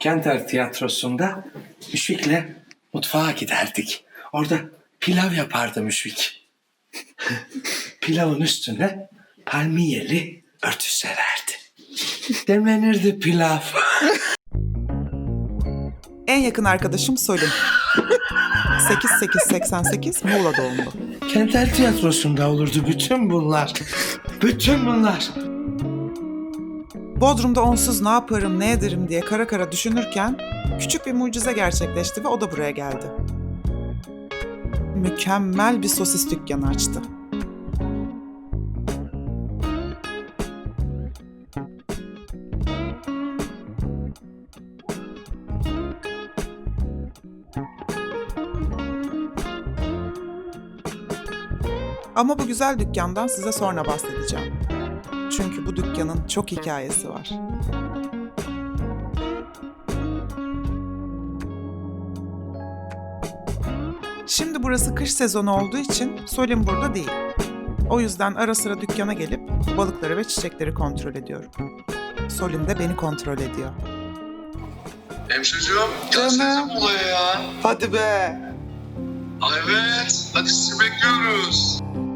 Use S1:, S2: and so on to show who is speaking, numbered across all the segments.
S1: Kenter Tiyatrosu'nda Müşfik'le mutfağa giderdik. Orada pilav yapardı Müşfik. Pilavın üstüne palmiyeli örtü sererdi. Demlenirdi pilav.
S2: En yakın arkadaşım Solim. 8888 Muğla doğumlu.
S1: Kenter Tiyatrosu'nda olurdu bütün bunlar. Bütün bunlar.
S2: Bodrum'da onsuz ne yaparım, ne ederim diye kara kara düşünürken küçük bir mucize gerçekleşti ve o da buraya geldi. Mükemmel bir sosis dükkanı açtı. Ama bu güzel dükkandan size sonra bahsedeceğim. Çünkü bu dükkanın çok hikayesi var. Şimdi burası kış sezonu olduğu için Solim burada değil. O yüzden ara sıra dükkana gelip balıkları ve çiçekleri kontrol ediyorum. Solim de beni kontrol ediyor.
S3: Hemşireciğim, gelsenize Muğla'ya ya.
S2: Hadi be!
S3: Evet, hadi sizi bekliyoruz.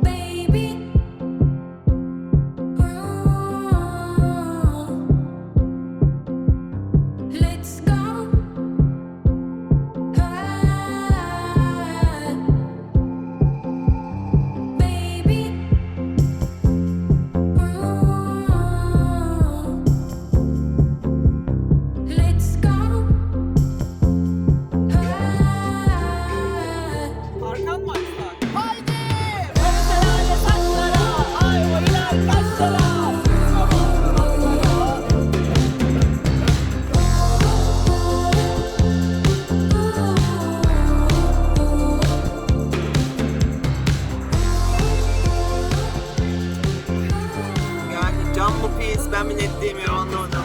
S4: Yani can mı pis, ben mi net diyemiyorum anlamadım.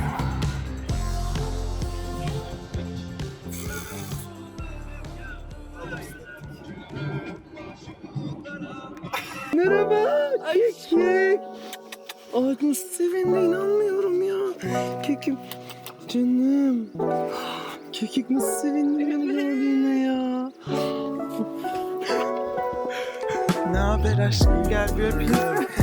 S4: Merhaba, kekik. Ay nasıl sevindi, inanmıyorum ya. Kekim, canım. Kekik nasıl sevindi beni gördüğüne ya.
S2: Ne haber aşkım, gel bir öpeyim.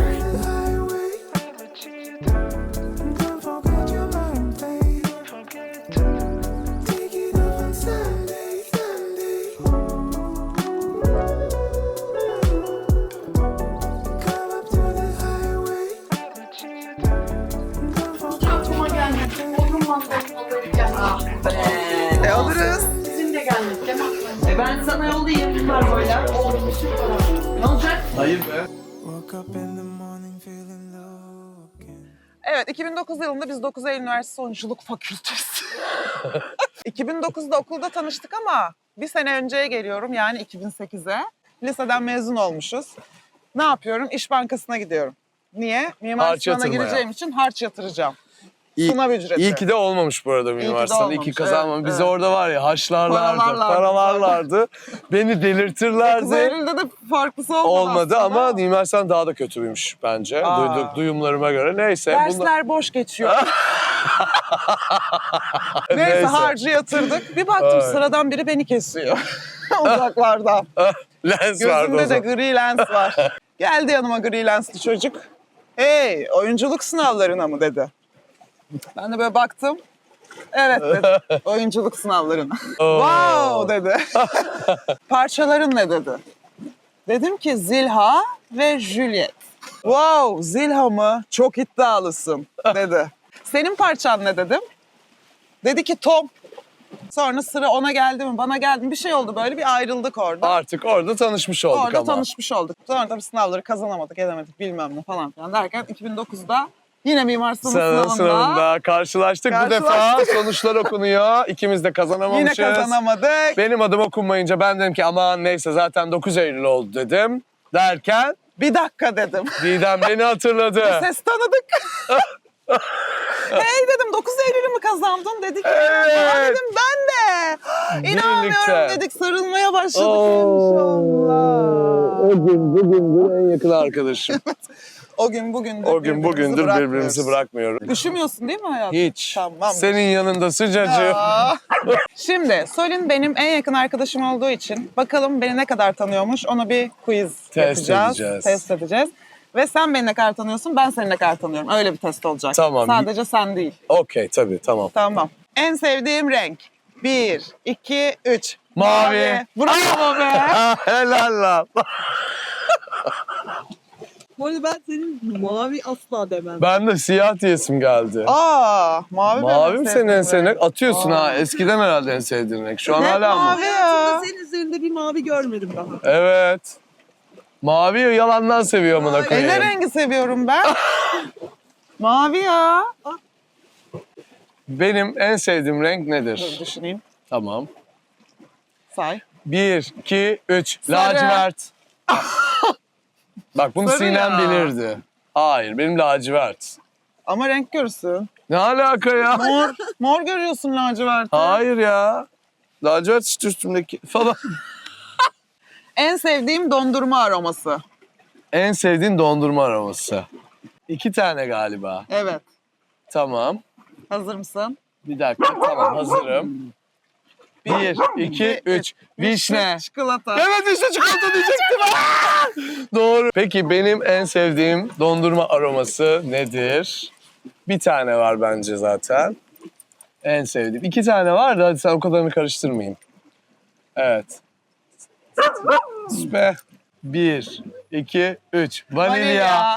S5: Aklıma gelmedi. Bodrum manzarası alırken. Ah be.
S2: Alırız.
S5: Sizin de gelmedi değil mi?
S4: Ben sana yollayayım kargoyla.
S5: Oldu süper.
S4: Ne olacak?
S3: Hayır be.
S2: Evet, 2009 yılında biz 9 Eylül Üniversitesi Oyunculuk Fakültesi. 2009'da okulda tanıştık ama bir sene önceye geliyorum, yani 2008'e. Liseden mezun olmuşuz. Ne yapıyorum? İş Bankası'na gidiyorum. Niye? Mimar
S6: Harç
S2: Sinan'a
S6: yatırmaya.
S2: gireceğim için harç yatıracağım.
S6: İyi,
S2: Sınav ücreti.
S6: iyi ki de olmamış bu arada
S2: ki de
S6: Mimar Sinan. İyi
S2: olmamış,
S6: ki kazanmamış.
S2: evet,
S6: Bizi
S2: evet.
S6: orada var ya haşlarlardı,
S2: Paralarlardı.
S6: paralarlardı. Beni
S2: 9
S6: delirtirlerdi.
S2: Eylül'de de farklısı olmadı
S6: Olmadı
S2: aslında.
S6: ama Mimar Sinan daha da kötüymüş bence.
S2: Aa.
S6: Duyumlarıma göre. Neyse.
S2: Dersler boş geçiyor. Neyse harcı yatırdık. Bir baktım
S6: Evet.
S2: sıradan biri beni kesiyor. Uzaklardan.
S6: Lens vardı o
S2: Gözümde de
S6: zaman.
S2: gri lens var. Geldi yanıma gri lensli çocuk. Hey, oyunculuk sınavlarına mı dedi. Ben de böyle baktım. Evet dedi. Oyunculuk sınavlarına. Wow dedi. Parçaların ne dedi. Dedim ki Zilha ve Juliet. Wow, Zilha mı? Çok iddialısın dedi. Senin parçan ne dedim. Dedi ki Tom. Sonra sıra ona geldi mi, bana geldi mi bir şey oldu, böyle bir ayrıldık orada.
S6: Artık orada tanışmış olduk
S2: Orada
S6: ama.
S2: tanışmış olduk. Sonra tabii sınavları kazanamadık, edemedik bilmem ne falan filan derken 2009'da yine Mimar Sinan
S6: Sınavında karşılaştık. Bu defa
S2: Karşılaştık.
S6: sonuçlar okunuyor. İkimiz de kazanamamışız.
S2: yine kazanamadık.
S6: Benim adım okunmayınca ben dedim ki aman neyse zaten 9 Eylül oldu dedim. Derken
S2: Bir dakika dedim.
S6: Didem beni hatırladı.
S2: Ses tanıdık. Hey dedim 9 Eylül'ü mü kazandın? Dedi ki
S6: Evet.
S2: "Aa," dedim ben de. İnanmıyorum
S6: Birlikte.
S2: dedik, sarılmaya başladık
S6: Oo.
S2: inşallah.
S6: O gün bugündür en yakın arkadaşım.
S2: O gün bugündür
S6: O gün bugündür birbirimizi
S2: bırakmıyoruz.
S6: bırakmıyoruz.
S2: Üşümüyorsun değil mi hayatım?
S6: Hiç.
S2: Tamam.
S6: Senin yanında sıcacık.
S2: Aa. Şimdi Solin benim en yakın arkadaşım olduğu için bakalım beni ne kadar tanıyormuş, onu bir quiz yapacağız.
S6: edeceğiz.
S2: Test edeceğiz. Ve sen beni ne kadar tanıyorsun, ben seni ne kadar tanıyorum. Öyle bir test olacak.
S6: Tamam.
S2: Sadece sen değil.
S6: Okey tabii tamam.
S2: Tamam. En sevdiğim renk. 1, 2, 3.
S6: Mavi.
S2: Bravo be.
S6: Helal lan.
S4: Bu arada ben senin mavi asla demem.
S6: Ben de siyah diyesim geldi.
S2: Aa, mavi
S6: Mavi
S2: benim
S6: mi senin en
S2: sevdiğim
S6: sevdiğin
S2: renk.
S6: renk? Atıyorsun ha. Eskiden herhalde en sevdiğin renk. Şu an
S2: Hep
S6: hala mı?
S2: mavi ya.
S4: Hayatımda senin üzerinde bir mavi görmedim daha.
S6: Evet. Mavi yalandan seviyor amına
S2: Ne
S6: koyayım.
S2: rengi seviyorum ben? Mavi ya.
S6: Benim en sevdiğim renk
S2: Dur
S6: nedir?
S2: düşüneyim.
S6: Tamam.
S2: Say.
S6: 1, 2, 3.
S2: Sarı.
S6: Lacivert. Bak bunu
S2: Sarı
S6: Sinem
S2: ya.
S6: bilirdi. Hayır benim lacivert.
S2: Ama renk görürsün.
S6: Ne alaka ya?
S2: Mor görüyorsun laciverti.
S6: Hayır ya. Lacivert işte üstümdeki falan.
S2: En sevdiğim dondurma aroması.
S6: En sevdiğin dondurma aroması. 2 tane galiba.
S2: Evet.
S6: Tamam.
S2: Hazır mısın?
S6: Bir dakika tamam hazırım. 1, 2, 3. Vişne.
S2: Çikolata.
S6: Evet vişne çikolata diyecektim. Aa! Doğru. Peki benim en sevdiğim dondurma aroması nedir? Bir tane var bence zaten. En sevdiğim. 2 tane var da hadi sen o kadarını karıştırmayayım. Evet. Süper. 1, 2, 3. Vanilya.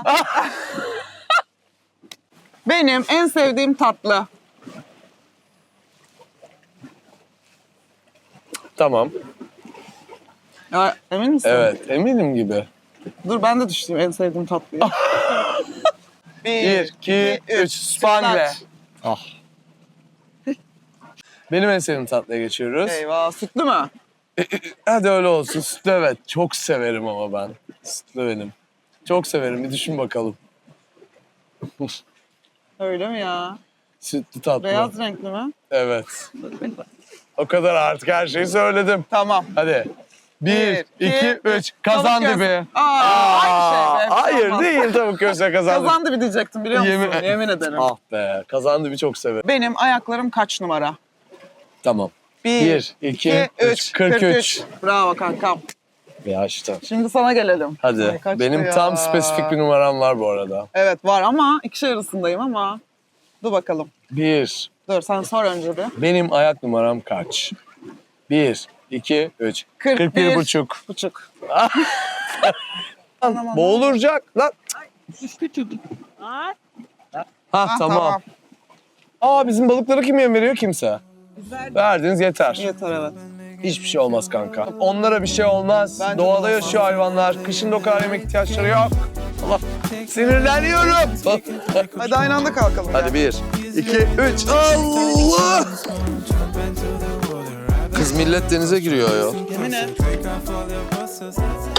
S2: Benim en sevdiğim tatlı.
S6: Tamam.
S2: Ya, emin misin?
S6: Evet eminim gibi.
S2: Dur ben de düştüm en sevdiğim tatlıyı.
S6: 1, 2, 3. Spangle. Ah. Benim en sevdiğim tatlıya geçiyoruz.
S2: Eyvah sütlü mü?
S6: Hadi öyle olsun. Sütlü evet. Çok severim ama ben. Sütlü benim. Çok severim. Bir düşün bakalım.
S2: Öyle mi ya?
S6: Sütlü tatlı.
S2: Beyaz renkli mi?
S6: Evet. O kadar artık her şeyi söyledim.
S2: Tamam.
S6: Hadi. 1, 2, 3.
S2: Tavuk
S6: Kazan
S2: göğsü.
S6: dibi.
S2: Aynı şey be.
S6: Hayır
S2: Olmaz.
S6: değil tavuk göğsü kazan dibi.
S2: Kazandı bir diyecektim biliyor musun? Yemin ederim.
S6: Ah be. Kazan dibi çok severim.
S2: Benim ayaklarım kaç numara?
S6: Tamam.
S2: 1,
S6: 2, 3. 43.
S2: Bravo kankam.
S6: Ya işte.
S2: Şimdi sana gelelim.
S6: Hadi.
S2: Ay, kaçtı
S6: Benim
S2: ya?
S6: tam spesifik bir numaram var bu arada.
S2: Evet var ama ikişer arasındayım ama. Dur bakalım.
S6: 1.
S2: Dur sen sor önce bir.
S6: Benim ayak numaram kaç? 1, 2, 3. 41 buçuk.
S2: Buçuk.
S6: Boğulacak lan.
S4: Düştü çocuk. Ay.
S6: Ha tamam. Aa bizim balıkları kim yem veriyor? Kimse. Verdiniz yeter.
S2: Yeter evet.
S6: Hiçbir şey olmaz kanka. Onlara bir şey olmaz.
S2: Bence
S6: Doğada
S2: olmaz.
S6: yaşıyor hayvanlar. Kışın da o kadar yemek ihtiyaçları yok. Allah. Sinirleniyorum.
S2: Hadi aynı anda kalkalım.
S6: Hadi 1, 2, 3. Allah! Kız millet denize giriyor ya.
S2: Yemin et.